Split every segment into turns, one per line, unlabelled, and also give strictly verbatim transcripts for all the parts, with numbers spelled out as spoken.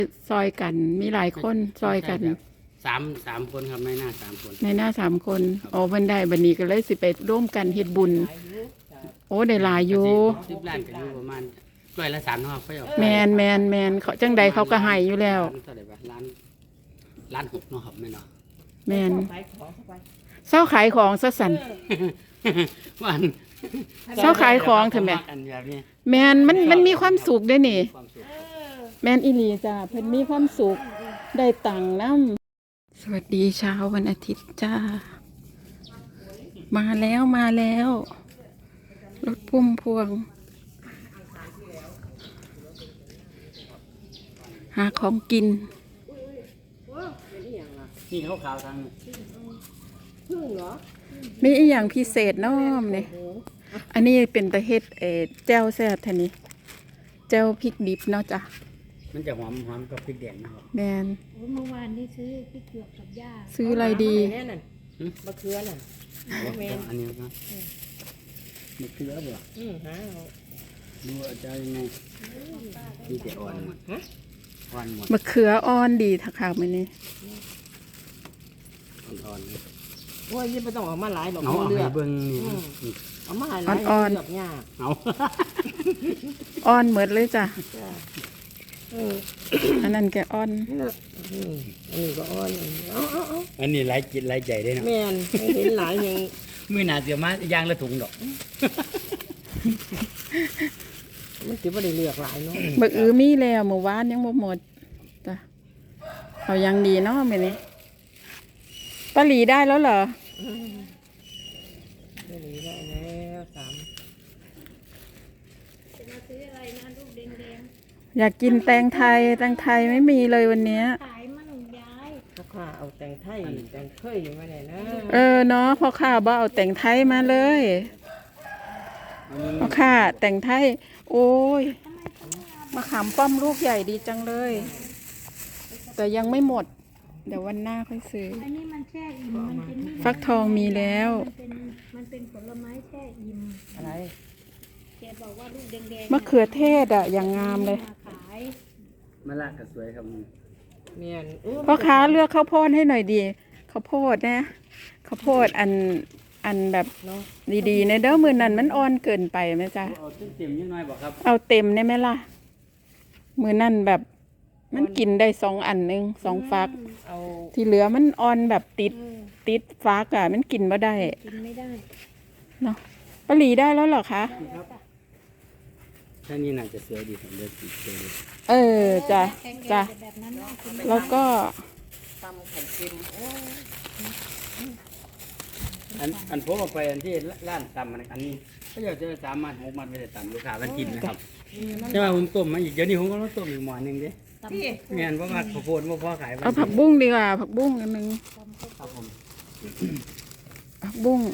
ซอยกันมีหลายคนซอยกัน
สามสามคนครับในหน้าสามคน
ในหน้าสามคนโอ้เพิ่นได้บัดนี้ก็เลยสิไปร่วมกันเฮ็ดบุญโอ้ได้หลายอยู่
สิบล้านก็อยู่ประมาณร้อยละสามเนาะเขาเอา
แมนแมนแมนเขาจังใดเขาก็ให้อยู่แล้ว
เท่าไหร่วะล้านล้านหกเนาะครับแม่เนาะ
แมนเศร้าขายของซะสั่น
วัน
เศร้าขายของเถอะแม่แมนมันมันมีความสุขด้วยนี่แมนอีหลีจ้าเพิ่นมีความสุขได้ตังค์นำสวัสดีเช้าวันอาทิตย์จ้ามาแล้วมาแล้วรถพุ่มพวงหาของกิน
นี่เขาขาวทาง
พึ่งเหรอมีอีอย่างพิเศษน้อมเนี่ยอันนี้เป็นตะเฮ็ดเอแจ่วแซ่บท่านี้แจ่วพริกดิบเนาะจ้ะ
มันจะหอมหอมกับพริกแดงนะครับ
แมน
เมื่อวานที่ซื้อพริกหยวกกับย่า
ซื้ออะไรดี
มะเขือน่ะ
อันนี้ครับมะเขือบ่
อืมฮะ
ดูจะยังไงที่จะอ่อนฮะอ่อนหมด
มะเขืออ่อนดีทักขาวมันนี่
อ่อน
ๆโอ้ยยิ่งไม่ต้องออกมาหลายดอก
เอาเลือกเบิ้งนี่
เอามาหลาย
อ่อน
ๆเนี่ย
เอา
อ่อนเหมือนเลยจ้ะอันนั้นแกอ่อน
อันนี้ก็อ่อนเอาเอาเอา
อันนี้หลายจิตหลายใจได้นะ
แม่นเห็นหลายอย่าง
มือหนาเสียมายางละถุงดอก
มันถือว่าได้เลือกหลายเนาะ
บักอื้อมีแล้วเมื่อวานยังบ่หมดจ้ะเขายังดีเนาะแม่นี่ป้าหลีได้แล้วเหรอ
ป้าหลีได้แล้วสาม
จะมาซื้ออะไรนะลูกแดงๆอยากกินแตงไทยแตงไทยไม่มีเลยวันนี้
ขายมันหนุ่มย้ายพ่อข้าเอาแตงไทยแตงเคยมาไหนนะ
เออเนาะพ่อข้าบ่เอาแตงไทยมาเลยพ่อข้าแตงไทยโอ้ยมะขามป้อมลูกใหญ่ดีจังเลยแต่ยังไม่หมดเดี๋ยววันหน้าค่อยซื้อ
อันนี้มันแช่อิ่มมันเป็น
ฟักทองมีแล้ว
มันเป็นมันเป็นผลไม้แช่อิ่ม
อะไร
แกบอกว่าลูกแดงๆ
มะเขือเทศอ่ะอย่างงามเลย
ขาย
มะละก็สวยครับ
เมียน
พ่อค้าเลือกข้าวโพดให้หน่อยดีข้าวโพดนะข้าวโพดอันอันแบบดีๆในเด้อมือนั้นมันอ่อนเกินไปไหมจ๊ะ
เอาเต็มยังน้อยบอกครับ
เอาเต็มได้ไหมล่ะมือนั่นแบบมันกินได้สองอันนึงสองฟักที่เหลือมันอ่อนแบบติดติดฟักอ่ะมันกินไม่ได้
กินไม่ได้
เนาะปลีได้แล้วเหรอคะ
ถ้านี่น่าจะสวยดีผมเลือกสีสวย
เออจ้ะจ้ะแล้วก็
ตำไข่เค็ม
อันอันผมเอาไปอันที่ร้านตำอันนี้ก็อยากจะสามารถหกมันไปได้ตำลูกค้ามันกินนะครับใช่ไหมผมต้มมาอีกเดี๋ยวนี้ผมก็ต้องต้มอีกหม้อหนึ่งดิเงี้ยเพราะว่าข้าวโพดว่าพ่อขาย
เอาผักบุ้งดีกว่าผักบุ้งอันนึง
ครับผม
ผักบุ้ง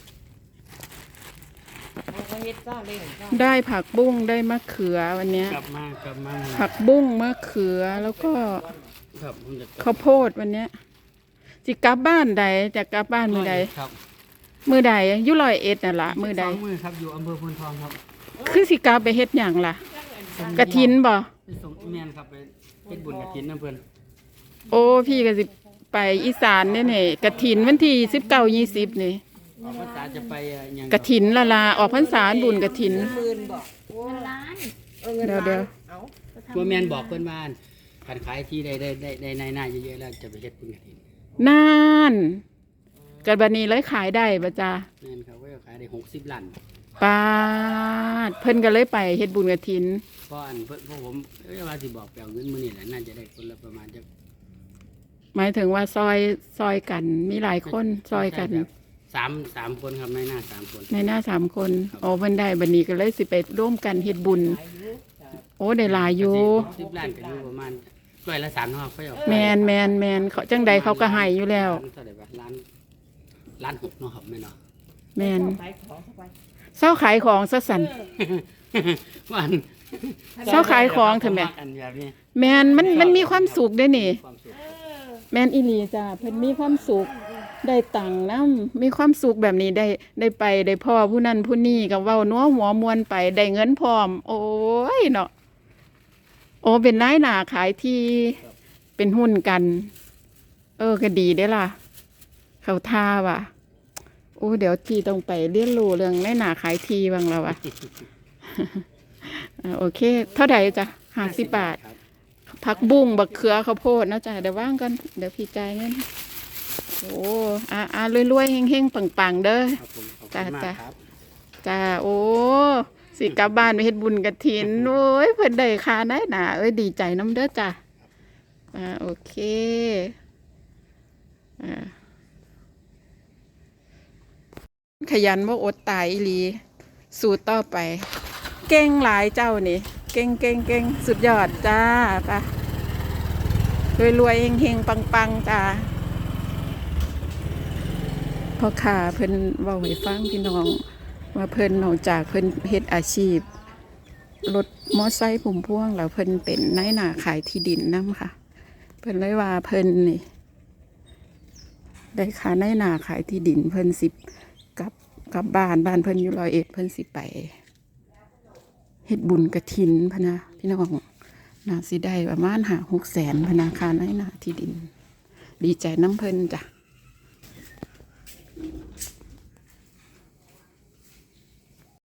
ได้ผักบุ้งได้มะเขือวันนี้
กลับมากลับมา
ผักบุ้งมะเขือแล้วก็ข้าวโพดวันนี้จิกลับบ้านใดจะกลับบ้านมือใดมือใดยุลอยเอ็ดน่ะล่ะมือใด
มือครับอยู่อำเภอพนทองครับ
คือสิกลับไปเฮ็ดหยังล่ะกฐินบ่
ไปส่งเมียนครับไปเฮ็ดบุญกฐินน้ำเพิ่น
โอ้พี่ก็สิไปอีสานนี่นี่กฐินวันที่สิบเก้ายี่สิบนี่
ออกพรรษาจะไปยัง
กฐินละลาออกพรรษาบุญกฐินเดี๋ยวเดี๋ยว
ตัวเมียนบอกเพิ่นว่าการขายที่ได้ได้ได้ได้ในหน้าเยอะๆแล้วจะไปเฮ็ดบุญกฐิน
นานกันบัดนี้เลยขายได้บ่จ้า
แม่นครับว่าขายได้หกสิบล้าน
ปาดเพิ่นก็เลยไปเฮ็ดบุญกฐิน
เพราะอันเพิ่นพวกผมเอ้ยว่าสิบอกแปลเงินมื้อนี้แหละน่าจะได้คนละประมาณจัก
หมายถึงว่าซอยซอยกันมีหลายคนซอยกัน
สามสามคนครับในหน้าสามคน
ในหน้าสามคนโอ้เพิ่นได้บัดนี้ก็เลยสิไปร่วมกันเฮ็ดบุญโอ้ได้หลายอยู่
สิบล้านก็อยู่ประมาณร้อยละสามเนาะเขาเอา
แมนแมนแมนเขาจังใดเขาก็ให้อยู่แล้ว
เท่าไหร่วะล้านล้านหกเนาะครับแม่เนาะ
แมนเศร้าขายของซะสั่น
วัน
เศร้าขายของเถอะแม่แมนมันมันมีความสุขด้วยนี่แมนอีหลีจ้าเพิ่นมีความสุขได้ตังค์นำมีความสุขแบบนี้ได้ได้ไปได้พ่อผู้นั้นผู้นี้ก็เว้านัวหัวมวนไปได้เงินพร้อมโอ้ยเนาะโอ้เป็นนายหนาขายที่เป็นหุ้นกัน เออก็ดีได้อล่ะ เขาท่าว่ะ โอ้เดี๋ยวทีต้องไปเรียนรู้เรื่องนายหนาขายทีบ้างแล้วอ่ะ อ่าโอเค เท่าไหร่จ้ะห้าสิบบาท
ครับ
ผักบุ้งบักเขือข้าวโพดนะจ๊ะเดี๋ยวว่างกันเดี๋ยวพี่จ่ายเงินโอ้อ่าอ่ารวยๆเฮงๆปังๆเด้อ
ครับผมขอบคุณมาก
จ้ะ
ครับ
จ้าโอ้สิกลับบ้านไปเฮ็ดบุญกฐินโอ้ยเพิ่นได้ค่าได้หนาเอ้ยดีใจน้ำเด้อจ้ะอ่าโอเคอ่าขยันบ่อดตายอีหลีสู้ต่อไป เก่งหลายเจ้านี่ เก่งเก่งเก่งสุดยอดจ้าไปรวยรวยๆเฮงๆปังๆจ้าพ่อค้าเพิ่นเว้าให้ฟังพี่น้อง ว่าเพิ่นนอกจากเพิ่นเฮ็ดอาชีพรถมอไซค์พุ่มพวงแล้วเพิ่นเป็นนายหน้าขายที่ดินนำค่ะ เพิ่นเลยว่าเพิ่นนี่ได้ค่านายหน้าขายที่ดินเพิ่นสิกลับกลับบ้านบ้านเพิ่นอยู่ร้อยเอ็ดเพิ่นสิไปเฮ็ดบุญกฐินพะนะพี่น้องน่าสิได้ประมาณห้า หกแสนพะนะค่านายหน้าที่ดิน ดีใจน้ำเพิ่นจ้ะ